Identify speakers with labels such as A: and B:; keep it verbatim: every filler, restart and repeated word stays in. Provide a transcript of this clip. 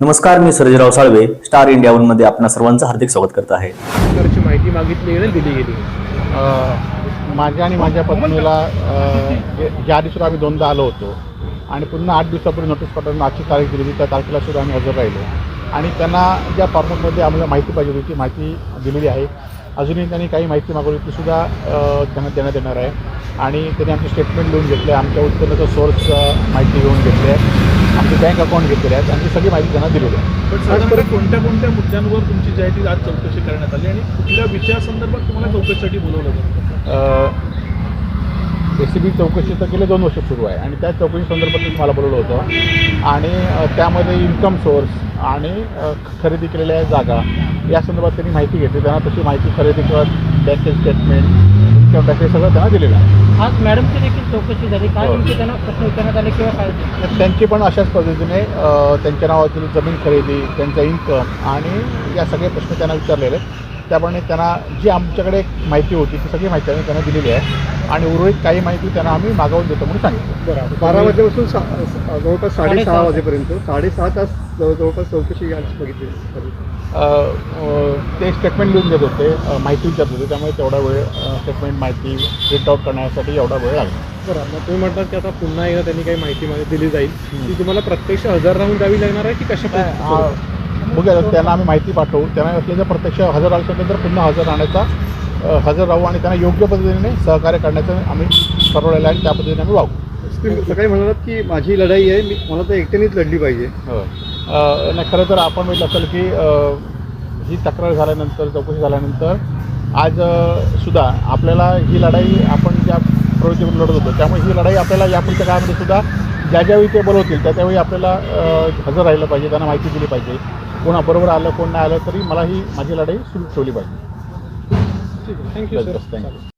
A: नमस्कार, मी Sarjerao Salve, star India one मध्ये आपणा सर्वांचं हार्दिक स्वागत करत आहे.
B: प्रकारची माहिती मागितली आणि दिली गेली.
C: माझ्या आणि माझ्या पत्नीला ज्या आधी सुद्धा आम्ही दोनदा आलो होतो आणि पुन्हा आठ दिवसापूर्वी नोटीस पाठवून आजची तारीख दिली होती, त्या तारखेला सुद्धा आम्ही हजर राहिलो आणि त्यांना ज्या फॉर्मॅटमध्ये आम्हाला माहिती पाहिजे होती ती माहिती दिलेली आहे. अजूनही त्यांनी काही माहिती मागवली तीसुद्धा त्यांना देण्यात येणार आहे आणि त्यांनी आमचे स्टेटमेंट लिहून घेतले, आमच्या उत्पन्नाचं सोर्स माहिती घेऊन घेतली आहे, आमचे बँक अकाउंट घेतलेले आहेत आणि सगळी माहिती त्यांना दिलेली आहे.
B: पण साधारण कोणत्या कोणत्या मुद्द्यांवर तुमची जी आहे ती आज चौकशी करण्यात आली आणि कुठल्या विषयासंदर्भात तुम्हाला चौकशीसाठी बोलवलं जातं?
C: ए सी बी चौकशी तर गेले दोन वर्ष सुरू आहे आणि त्या चौकशी संदर्भात मला बोलवलं होतं आणि त्यामध्ये इन्कम सोर्स आणि खरेदी केलेल्या जागा या संदर्भात त्यांनी माहिती घेतली. त्यांना तशी माहिती खरेदी करत बँकेचे स्टेटमेंट इन्कम टॅक्स हे सगळं त्यांना दिलेलं आहे.
D: आज मॅडमची देखील चौकशी झाली, काय नेमके त्यांना प्रश्न विचारण्यात आले किंवा काय?
C: त्यांची पण अशाच पद्धतीने त्यांच्या नावातील जमीन खरेदी, त्यांचा इन्कम आणि या सगळे प्रश्न त्यांना विचारलेले आहेत. त्याप्रमाणे त्यांना जी आमच्याकडे माहिती होती ती सगळी माहिती आम्ही त्यांना दिलेली आहे आणि उर्वरित काही माहिती त्यांना आम्ही मागवून देतो म्हणून सांगितलं.
B: बरं, बारा वाजेपासून सा जवळपास साडेसहा वाजेपर्यंत साडेसहा तास जवळपास चौकशी आज बघितली.
C: ते स्टेटमेंट लिहून देत होते, माहिती विचारत होते, त्यामुळे तेवढा वेळ स्टेटमेंट माहिती प्रिंट आउट करण्यासाठी एवढा वेळ लागला.
B: बरं, मग तुम्ही म्हणतात की आता पुन्हा एकदा त्यांनी काही माहिती माहिती दिली जाईल ती तुम्हाला प्रत्यक्ष हजर राहून द्यावी लागणार आहे की कशा?
C: बघूया, त्यांना आम्ही माहिती पाठवू, त्यांना असले जर प्रत्यक्ष हजर आल्यानंतर पुन्हा हजर राहण्याचा हजर राहू आणि त्यांना योग्य पद्धतीने सहकार्य करण्याचं आम्ही ठरवलेलं आहे आणि त्या पद्धतीने आम्ही वागू.
B: सकाळी म्हणालात की माझी लढाई आहे, मी मला तर एकट्यानेच लढली पाहिजे.
C: हो, नाही खरं तर आपण बघितलं असेल की ही तक्रार झाल्यानंतर, चौकशी झाल्यानंतर आज सुद्धा आपल्याला ही लढाई आपण ज्या प्रवृत्तीवर लढत होतो त्यामुळे ही लढाई आपल्याला यापुढच्या काळामध्ये सुद्धा ज्या ज्यावेळी ते बोलवतील त्या त्यावेळी आपल्याला हजर राहिलं पाहिजे, त्यांना माहिती दिली पाहिजे. कोणा बरोबर आलं कोण नाही आलं तरी मला ही माझी लढाई सुरू ठेवली पाहिजे.
B: ठीक आहे, थँक्यू सर.
C: थँक्यू.